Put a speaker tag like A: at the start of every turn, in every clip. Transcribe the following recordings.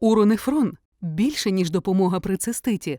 A: Уронефрон – більше, ніж допомога при циститі.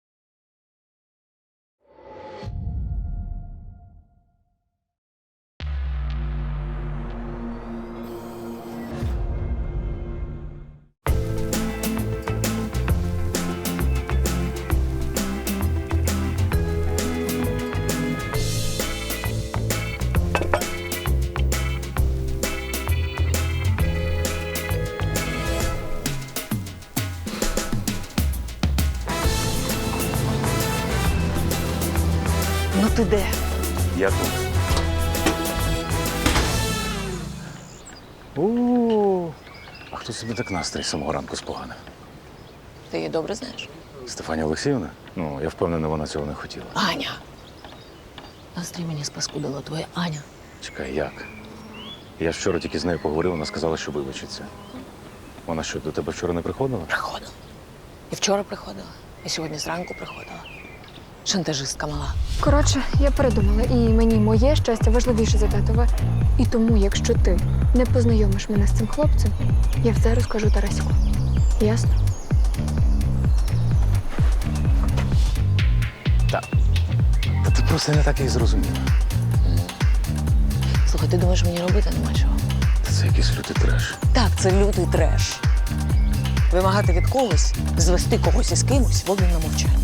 B: Ну ти де?
C: Я тут. О, а хто собі так настрій з самого ранку споганив?
B: Ти її добре знаєш?
C: Стефанія Олексіївна? Ну, я впевнений, вона цього не хотіла.
B: Аня! Настрій мені спаскудила твоя Аня.
C: Чекай, як? Я ж вчора тільки з нею поговорив, вона сказала, що вибачиться. Вона що, до тебе вчора не приходила?
B: Приходила. І вчора приходила, і сьогодні зранку приходила. Шантажистка мала.
D: Коротше, я передумала, і мені моє щастя важливіше за татове. І тому, якщо ти не познайомиш мене з цим хлопцем, я все розкажу Тараську. Ясно?
C: Та ти просто не так і зрозуміла.
B: Слухай, ти думаєш, мені робити нема чого?
C: Та це якийсь лютий треш.
B: Так, це лютий треш. Вимагати від когось, звести когось із кимось в обмін на мовчання.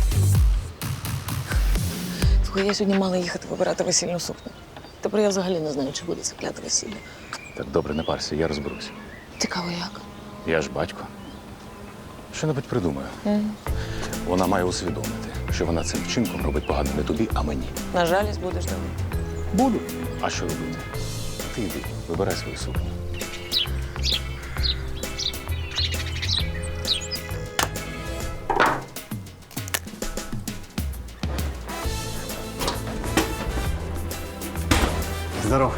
B: Слухай, я сьогодні мала їхати вибирати весільну сукню. Тепер я взагалі не знаю, чи буде це кляте весілля.
C: Так, добре, не парся, я розберусь.
B: Цікаво, як?
C: Я ж батько. Що-небудь придумаю. Вона має усвідомити, що вона цим вчинком робить погано не тобі, а мені.
B: На жалість будеш давати.
C: Буду. А що робити? Ти йди, вибирай свою сукню.
E: Здоров.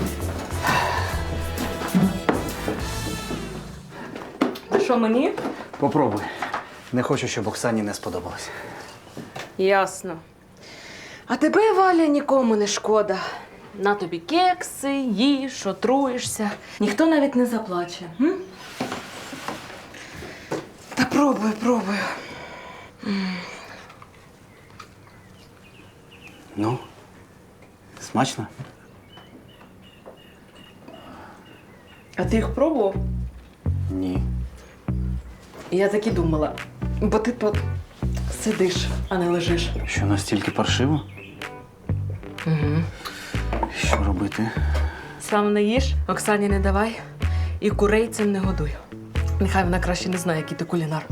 F: Що мені?
E: Попробуй. Не хочу, щоб Оксані не сподобалось.
F: Ясно. А тебе, Валя, нікому не шкода. На тобі кекси, їж, отруєшся. Ніхто навіть не заплаче. М? Та пробую.
E: Ну, смачно?
F: А ти їх пробував?
E: Ні.
F: Я так і думала. Бо ти тут сидиш, а не лежиш.
E: Що настільки паршиво?
F: Угу.
E: Що робити?
F: Сам не їж, Оксані не давай. І курей цим не годуй. Нехай вона краще не знає, який ти кулінар.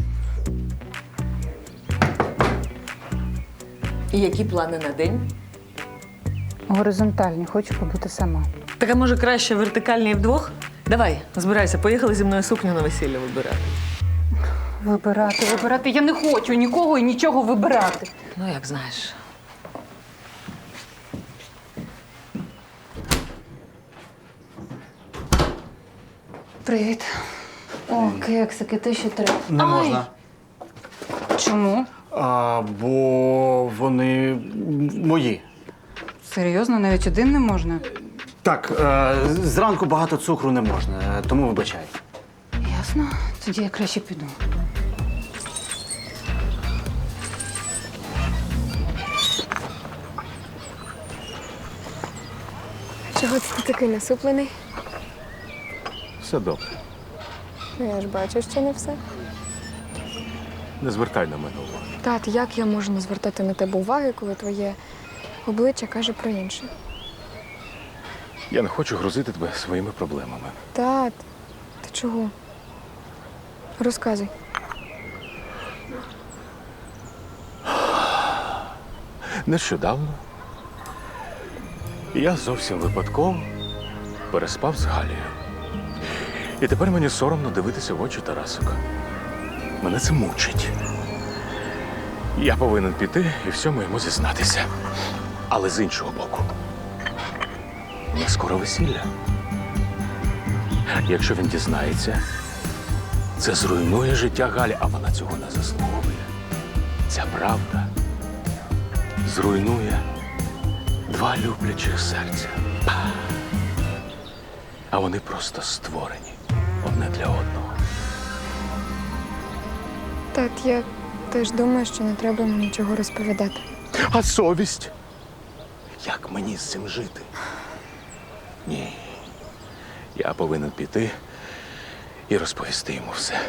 F: І які плани на день?
G: Горизонтальні, хочу побути сама.
F: Так, а може краще вертикальні вдвох? Давай, збирайся, поїхали зі мною сукню на весілля вибирати.
G: Вибирати. Я не хочу нікого і нічого вибирати.
B: Ну, як знаєш.
G: Привіт. О, кексики, те, що треба.
E: Не можна.
G: Чому?
E: Бо вони мої.
G: Серйозно, навіть один не можна?
E: Так, зранку багато цукру не можна, тому вибачай.
G: Ясно. Тоді я краще піду.
D: Чого це ти такий насуплений?
C: Все добре.
D: Ну, я ж бачу, що не все.
C: Не звертай на мене увагу.
D: Тат, як я можу не звертати на тебе уваги, коли твоє обличчя каже про інше?
C: Я не хочу грузити тебе своїми проблемами.
D: Тат, ти чого? Розказуй.
C: Нещодавно я зовсім випадково переспав з Галією. І тепер мені соромно дивитися в очі Тарасика. Мене це мучить. Я повинен піти і всьому йому зізнатися. Але з іншого боку, у нас скоро весілля. Якщо він дізнається, це зруйнує життя Галі, а вона цього не заслуговує. Ця правда зруйнує два люблячих серця. А вони просто створені одне для одного.
D: Тат, я теж думаю, що не треба мені нічого розповідати.
C: А совість? Як мені з цим жити? Ні. Я повинен піти і розповісти йому все.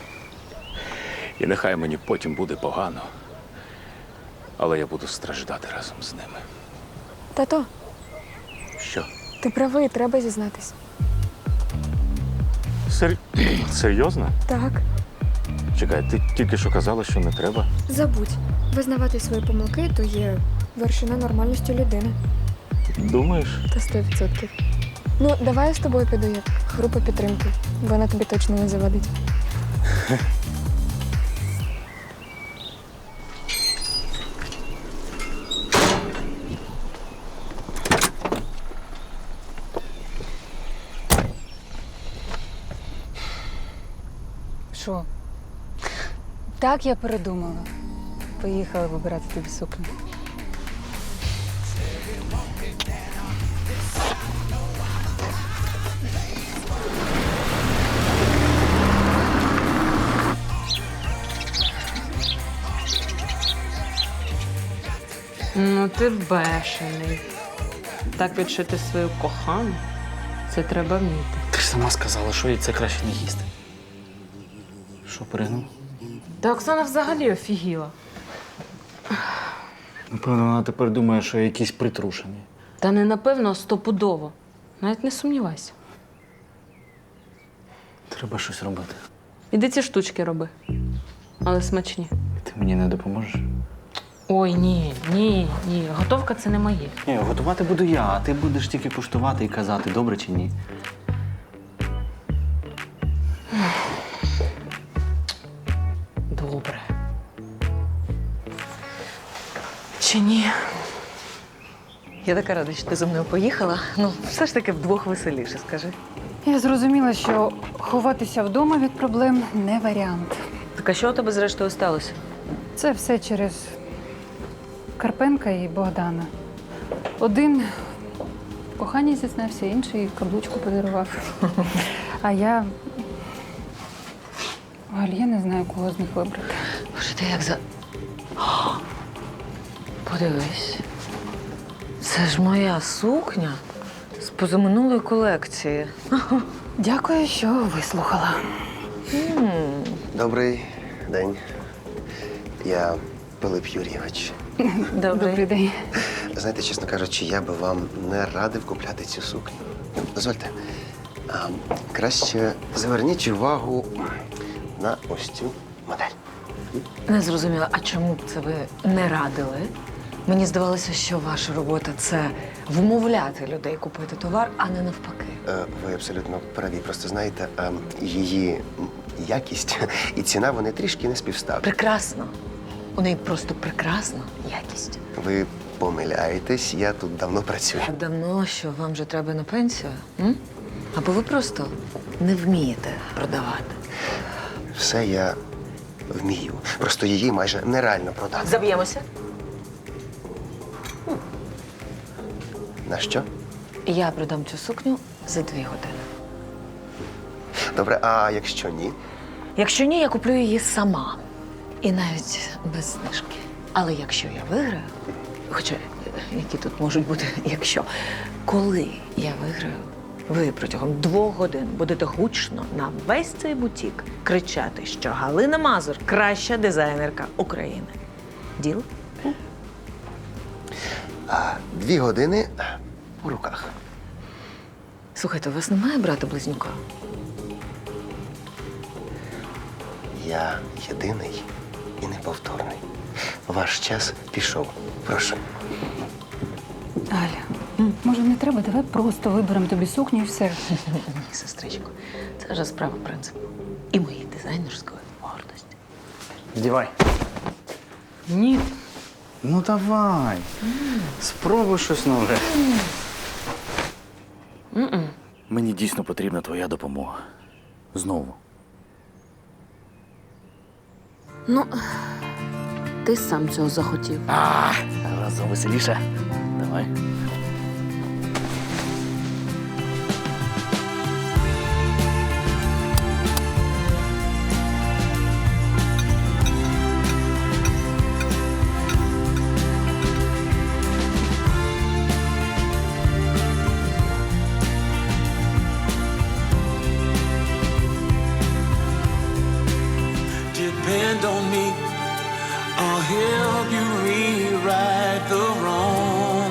C: І нехай мені потім буде погано, але я буду страждати разом з ними.
D: Тато,
C: Що?
D: ти правий, треба зізнатись.
C: Серйозно?
D: Так,
C: Чекай, ти тільки що казала, що не треба.
D: забудь. Визнавати свої помилки – то є вершина нормальності людини.
C: Думаєш?
D: Та 100%. Ну, давай я з тобою піду як група підтримки. Вона тобі точно не завадить.
G: Що? Так я передумала. Поїхала вибирати тобі сукню.
F: Ну, ти бешений. Так відшити свою кохану, це треба вміти.
E: Ти ж сама сказала, що їй це краще не їсти. Що, перегнув?
F: Та Оксана взагалі офігіла.
E: Напевно, вона тепер думає, що я якийсь притрушений.
F: Та не напевно, а стопудово. Навіть не сумнівайся.
E: Треба щось робити.
F: Іди ці штучки роби. Але смачні.
E: Ти мені не допоможеш?
F: Ой, ні. Готовка це не моє.
E: Ні, готувати буду я, а ти будеш тільки куштувати і казати, добре чи ні.
F: Добре. Чи ні?
B: Я така рада, що ти зі мною поїхала. Ну, все ж таки вдвох веселіше, скажи.
G: Я зрозуміла, що ховатися вдома від проблем не варіант.
B: Так а що у тебе зрештою сталося?
G: Це все через Карпенка і Богдана. Один в коханні зізнався, інший каблучку подарував. А я не знаю, кого з них вибрати.
B: Боже, ти як за. О, подивись. Це ж моя сукня з позаминулої колекції.
G: Дякую, що вислухала.
H: Добрий день. Я Пилип Юрійович.
G: Добрий день.
H: Знаєте, чесно кажучи, я би вам не радив купляти цю сукню. Дозвольте. Краще зверніть увагу на ось цю модель.
B: Не зрозуміла, а чому б це ви не радили? Мені здавалося, що ваша робота це вмовляти людей купити товар, а не навпаки.
H: Ви абсолютно праві. Просто знаєте, її якість і ціна, вони трішки не співставні.
B: Прекрасно. У неї просто прекрасна якість.
H: Ви помиляєтесь, я тут давно працюю.
B: Так давно, що вам вже треба на пенсію? М? Або ви просто не вмієте продавати.
H: Все я вмію. Просто її майже нереально продати.
B: Заб'ємося?
H: На що?
B: Я продам цю сукню за 2 години.
H: Добре, а якщо ні?
B: Якщо ні, я куплю її сама. І навіть без знижки. Але якщо я виграю, хоча які тут можуть бути, якщо, коли я виграю, ви протягом 2 годин будете гучно на весь цей бутік кричати, що Галина Мазур – краща дизайнерка України. Діл?
H: 2 години у руках.
B: Слухайте, у вас немає брата-близнюка?
H: Я єдиний і неповторний. Ваш час пішов. Прошу.
G: Аля, може не треба? Давай просто виберемо тобі сукню і все.
B: Ні, сестричко, це вже справа принципу. І моєї дизайнерської гордості.
E: Здівай.
F: Ні.
E: Ну давай. Спробуй щось нове. Мені дійсно потрібна твоя допомога. Знову.
F: Ну, ти сам цього захотів.
E: Разом веселіше. Давай.
I: don't need. I'll help you rewrite the wrong.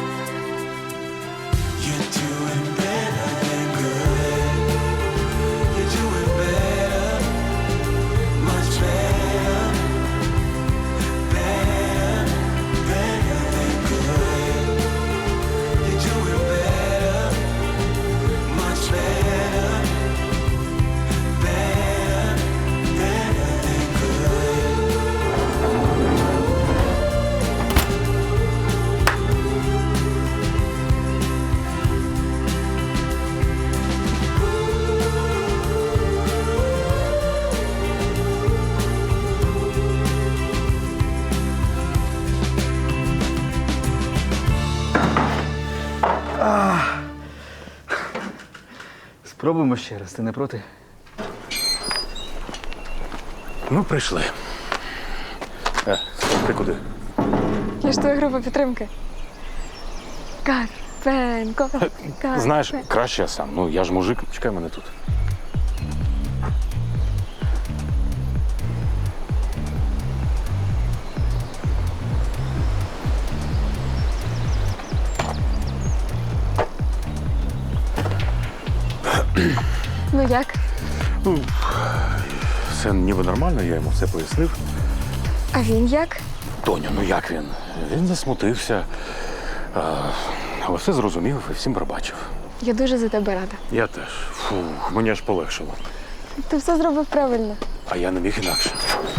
I: You're doing better than good. You're doing better, much better, better, better than good. You're doing better, much better, better, better than good.
E: Спробуємо ще раз, ти не проти?
C: Ну, прийшли. Ти куди?
D: Я ж твоя група підтримки. Карпенко.
C: Знаєш, краще я сам. Ну, я ж мужик, чекай мене тут.
D: Ну як?
C: Все ніби нормально, я йому все пояснив.
D: А він як?
C: Тоню, ну як він? Він засмутився. Але все зрозумів і всім пробачив.
D: Я дуже за тебе рада.
C: Я теж. Фух, мені аж полегшило.
D: Ти все зробив правильно.
C: А я не міг інакше.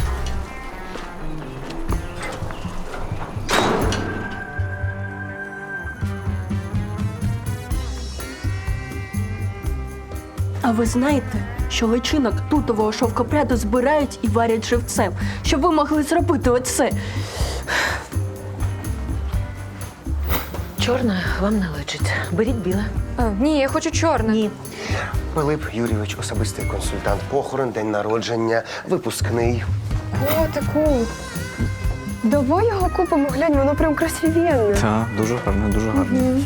J: А ви знаєте, що личинок тутового шовкопряду збирають і варять живцем, щоб ви могли зробити оце?
B: Чорне вам не личить. Беріть біле.
D: Ні, я хочу чорне.
B: Ні.
H: Пилип Юрійович, особистий консультант, похорон, день народження, випускний.
D: Котику. Давай його купимо, глянь, воно прям красивенне.
E: Так, дуже гарно, дуже гарно.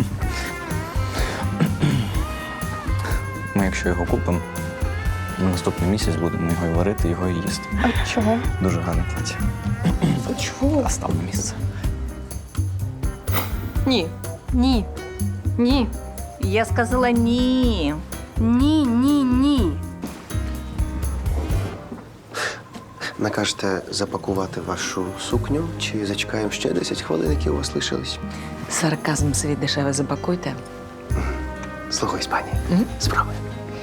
E: Ми, якщо його купимо, на наступний місяць будемо його і варити, його і їсти.
D: А чого?
E: Дуже гарне плаття.
D: Чого?
E: А став на місце.
J: Ні.
G: Ні. Ні.
J: Я сказала ні. Ні, ні, ні.
H: Накажете запакувати вашу сукню чи зачекаємо ще 10 хвилин, які у вас лишились?
B: Сарказм свій дешеве запакуйте.
H: Слухаюсь, пані. Справи.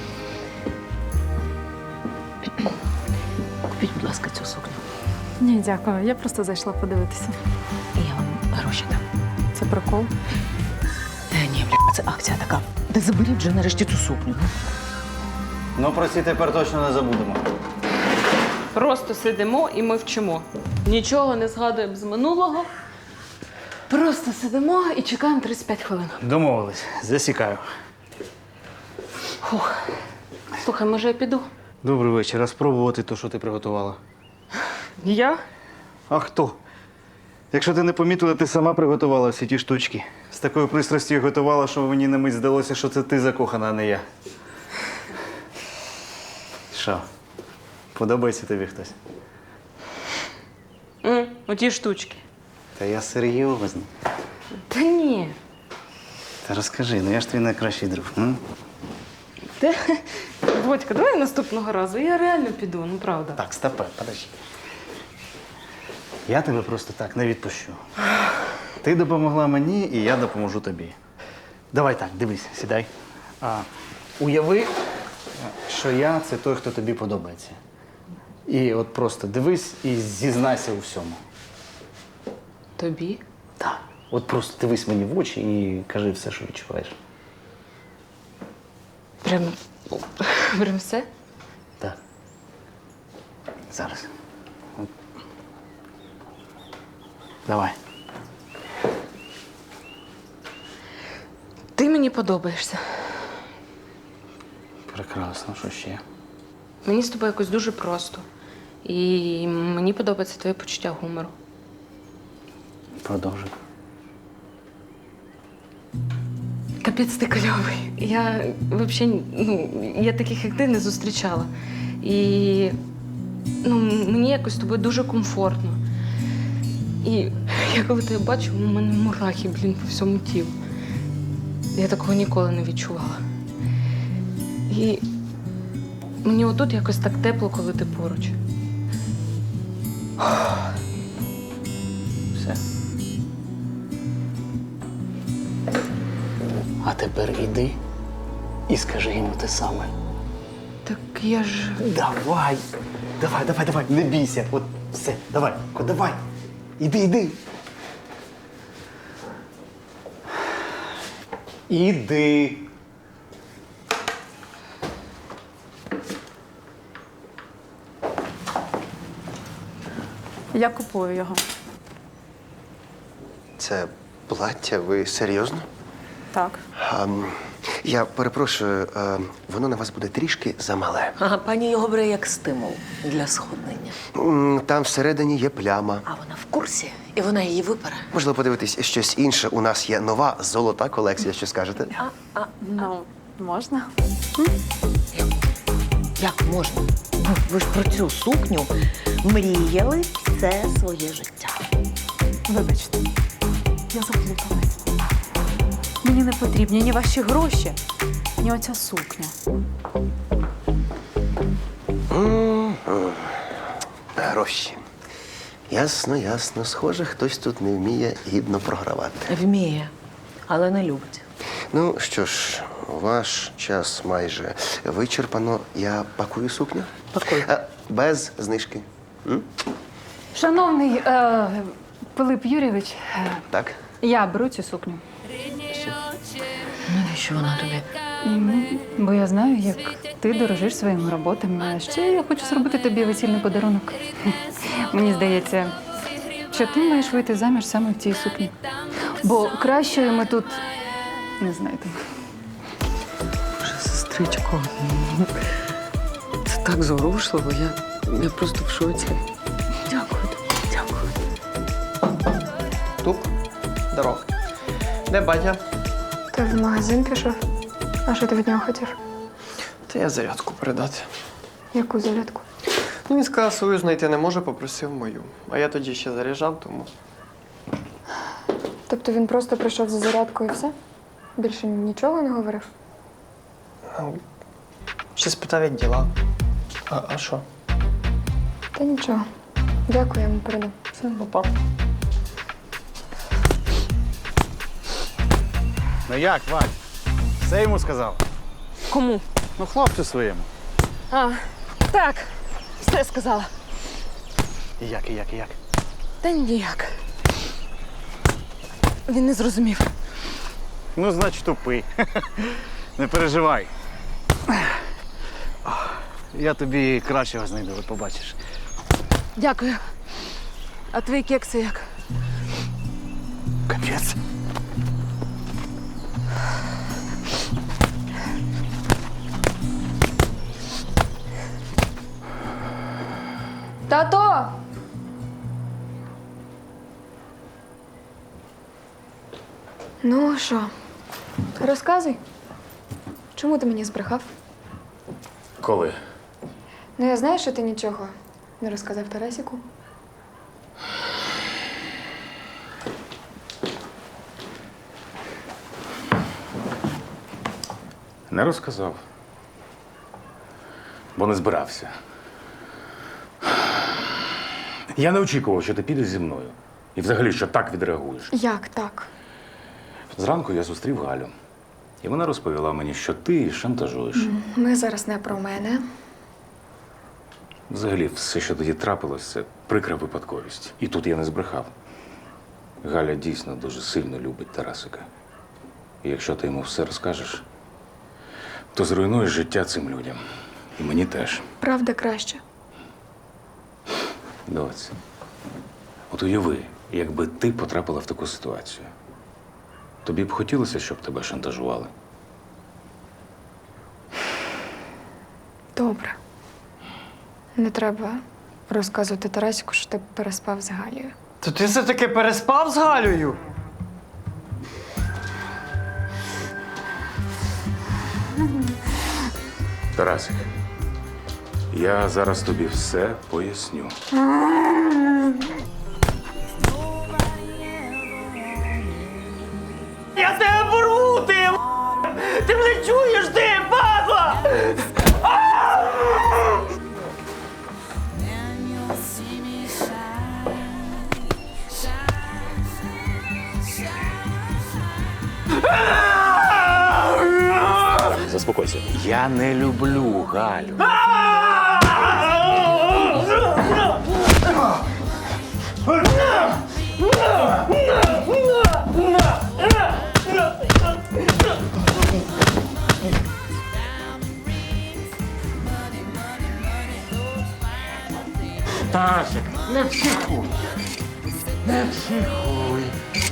B: Купіть, будь ласка, цю сукню.
G: Ні, дякую. Я просто зайшла подивитися.
B: І я вам гроші дам.
G: Це прикол.
B: Ні, бля, це акція така. Та заберіть вже нарешті цю сукню.
E: Ну, про ці тепер точно не забудемо.
F: Просто сидимо і ми вчимо. Нічого не згадуємо з минулого. Просто сидимо і чекаємо 35 хвилин.
E: Домовились. Засікаю.
F: Слухай, може я піду?
E: Добрий вечір. А спробувати те, що ти приготувала?
F: Я?
E: А хто? Якщо ти не помітила, ти сама приготувала всі ті штучки. З такою пристрастю їх готувала, що мені на мить здалося, що це ти закохана, а не я. Що? Подобається тобі хтось?
F: Оті штучки.
E: Та я серйозно.
F: Та ні.
E: Та розкажи, ну я ж твій найкращий друг. М?
F: Водька, давай наступного разу. Я реально піду, ну правда.
E: Так, стопе, подожди. Я тебе просто так не відпущу. Ти допомогла мені, і я допоможу тобі. Давай так, дивись, сідай. Уяви, що я це той, хто тобі подобається. І от просто дивись і зізнайся у всьому.
F: Тобі?
E: Так. От просто дивись мені в очі і кажи все, що відчуваєш.
F: Прям все?
E: Так. Зараз. От. Давай.
F: Ти мені подобаєшся.
E: Прекрасно, що ще?
F: Мені з тобою якось дуже просто. І мені подобається твоє почуття гумору.
E: Продовжуй.
F: Капець ти кльовий. Я взагалі, я таких, як ти, не зустрічала. І ну, мені якось з тобою дуже комфортно. І я коли тебе бачу, у мене мурахи, блін, по всьому тілу. Я такого ніколи не відчувала. І мені отут якось так тепло, коли ти поруч.
E: Все. А тепер іди і скажи йому те саме.
F: Так я ж.
E: Давай! Давай, не бійся. От все, давай, давай. Іди. Іди.
G: Я купую його.
H: Це плаття, ви серйозно?
G: Так.
H: Я перепрошую, воно на вас буде трішки замале.
B: Ага, пані його бере як стимул для сходнення.
H: Там всередині є пляма.
B: А вона в курсі, і вона її випере.
H: Можливо, подивитись щось інше. У нас є нова золота колекція, що скажете?
G: Ну, можна?
B: Як можна? Ви ж про цю сукню мріяли все своє життя.
G: Вибачте, я заплуталась. Мені не потрібні ні ваші гроші, ні оця сукня.
H: Гроші. Ясно. Схоже, хтось тут не вміє гідно програвати.
B: Вміє, але не любить.
H: Ну що ж, ваш час майже вичерпано. Я пакую сукню.
B: Пакуй.
H: Без знижки.
G: Шановний Пилип Юрійович,
H: Так?
G: я беру цю сукню.
B: Навіщо вона тобі?
G: Бо я знаю, як ти дорожиш своїми роботами. А ще я хочу зробити тобі весільний подарунок. Мені здається, що ти маєш вийти заміж саме в цій сукні. Бо кращої ми тут не знайдемо.
B: Боже, сестричко, це так зворушливо. Я просто в шоці. Дякую тобі, дякую.
K: Туп, дорог. Де батя?
D: Ти в магазин пішов? А що ти від нього хотів?
K: Та я зарядку передати.
D: Яку зарядку?
K: Ну, він сказав, свою знайти не може, попросив мою. А я тоді ще заряджав, тому.
D: Тобто він просто прийшов за зарядкою і все? Більше нічого не говорив?
K: Ще спитав, як діла. А що?
D: Та нічого. Дякую, я йому передам.
K: Все, папа.
E: Ну як, Вадь? Все йому сказав?
F: Кому?
E: Ну, хлопцю своєму.
F: Так, все сказала.
E: І як?
F: Та ніяк. Він не зрозумів.
E: Ну, значить, тупий. Не переживай. Я тобі кращого знайду, от побачиш.
F: Дякую. А твої кекси як?
E: Капець.
D: Тато! Ну, що? Розказуй. Чому ти мені збрехав?
C: Коли?
D: Ну, я знаю, що ти нічого не розказав Тарасіку.
C: Не розказав. Бо не збирався. Я не очікував, що ти підеш зі мною. І взагалі, що так відреагуєш.
D: Як так?
C: Зранку я зустрів Галю. І вона розповіла мені, що ти шантажуєш.
D: Ми зараз не про мене.
C: Взагалі, все, що тоді трапилось, це прикра випадковість. І тут я не збрехав. Галя дійсно дуже сильно любить Тарасика. І якщо ти йому все розкажеш, то зруйнуєш життя цим людям. І мені теж.
D: Правда краще.
C: Доць, от уяви, якби ти потрапила в таку ситуацію. Тобі б хотілося, щоб тебе шантажували?
D: Добре. Не треба розказувати Тарасіку, що ти переспав з Галією.
K: То ти все-таки переспав з Галею?
C: Тарасик, Я зараз тобі все поясню.
K: Я тебе порву, ти! Ти мене чуєш, ти, падла!
C: Заспокойся. Я не люблю Галю.
K: Тарасик, не психуй! Не психуй!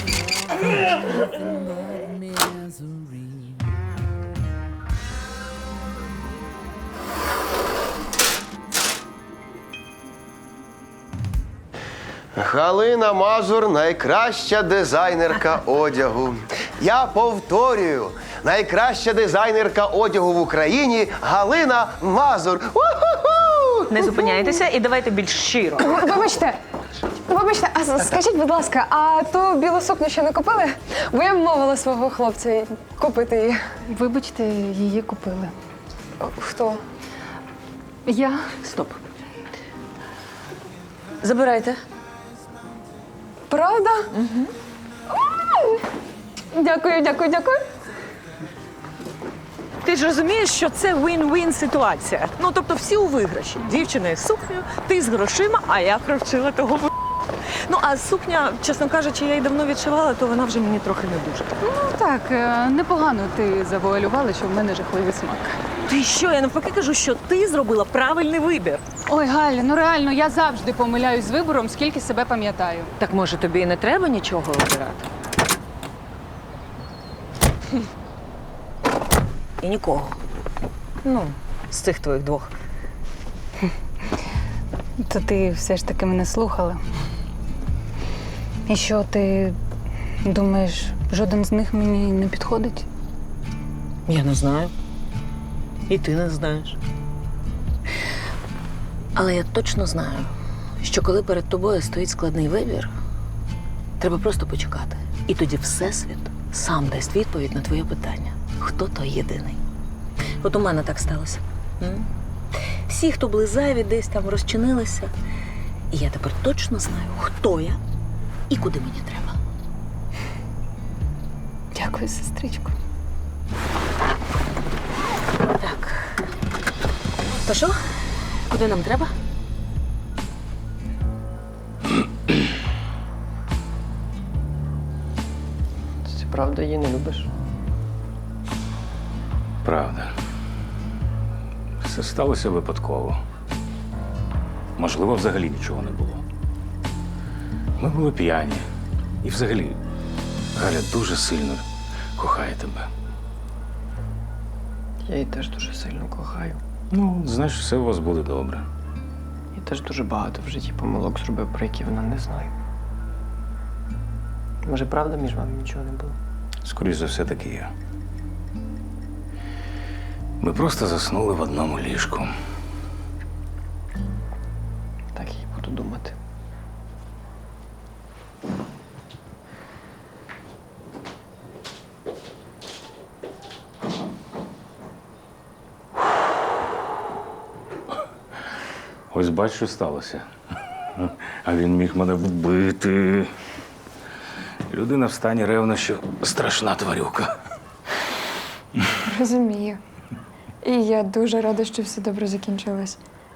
H: Галина Мазур найкраща дизайнерка одягу. Я повторюю, найкраща дизайнерка одягу в Україні Галина Мазур. У-ху-ху!
B: Не зупиняйтеся і давайте більш щиро.
D: Вибачте, а скажіть, будь ласка, а ту білу сукню ще не купили? Бо я вмовила свого хлопця купити її.
G: Вибачте, її купили.
D: Хто?
G: Я.
B: Стоп. Забирайте.
D: Правда? Угу. Дякую, дякую, дякую.
L: Ти ж розумієш, що це win-win ситуація. Ну, тобто всі у виграші. Дівчина із сукнею, ти з грошима, а я провчила того в***. Ну, а сукня, чесно кажучи, я її давно відшивала, то вона вже мені трохи не дуже.
G: Ну так, непогано ти завуалювала, що в мене жахливий смак.
L: Ти що, я навпаки кажу, що ти зробила правильний вибір.
G: Ой, Галя, ну реально, я завжди помиляюсь з вибором, скільки себе пам'ятаю.
B: Так може тобі і не треба нічого обирати? І нікого. Ну, з цих твоїх двох.
G: То ти все ж таки мене слухала. І що, ти думаєш, жоден з них мені не підходить?
B: Я не знаю. І ти не знаєш. Але я точно знаю, що коли перед тобою стоїть складний вибір, треба просто почекати. І тоді Всесвіт сам дасть відповідь на твоє питання. Хто той єдиний? От у мене так сталося. Всі, хто були зайві, десь там розчинилися. І я тепер точно знаю, хто я і куди мені треба.
G: Дякую, сестричко.
B: Так. То що? Куди нам треба?
K: Ти правда її не любиш?
C: Правда. Все сталося випадково. Можливо, взагалі нічого не було. Ми були п'яні. І взагалі, Галя дуже сильно кохає тебе.
K: Я її теж дуже сильно кохаю.
C: Ну, знаєш, все у вас буде добре.
K: Я теж дуже багато в житті помилок зробив, про які вона не знає. Може, правда, між вами нічого не було?
C: Скоріше за все, таки є. Ми просто заснули в одному ліжку.
K: Так я й буду думати.
C: Ось бач, що сталося. А він міг мене вбити. Людина в стані ревнощів – страшна тварюка.
D: Розумію. І я дуже рада, що все добре закінчилось.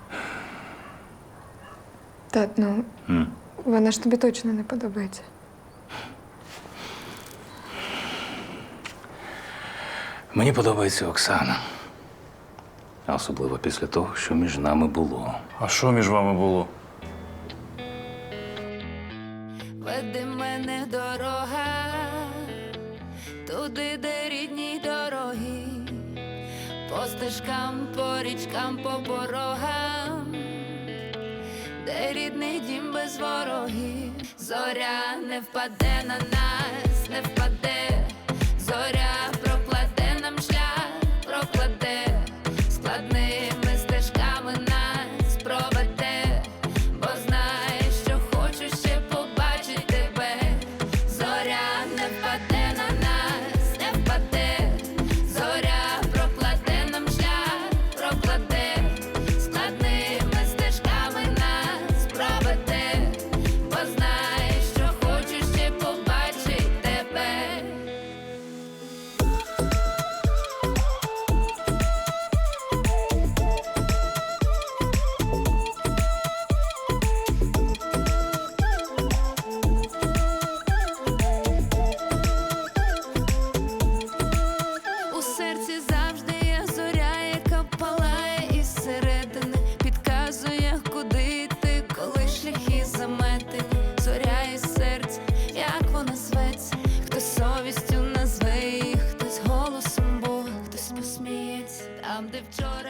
D: Тат, ну, вона ж тобі точно не подобається.
C: Мені подобається Оксана. А особливо після того, що між нами було.
E: А що між вами було?
M: Веди мене дорога, туди, де рідні дороги, по стежкам, по річкам, по порогам, де рідний дім без ворогів. Зоря не впаде на нас, не впаде, зоря прокладе нам шлях, прокладе складними стежками нас. де вчора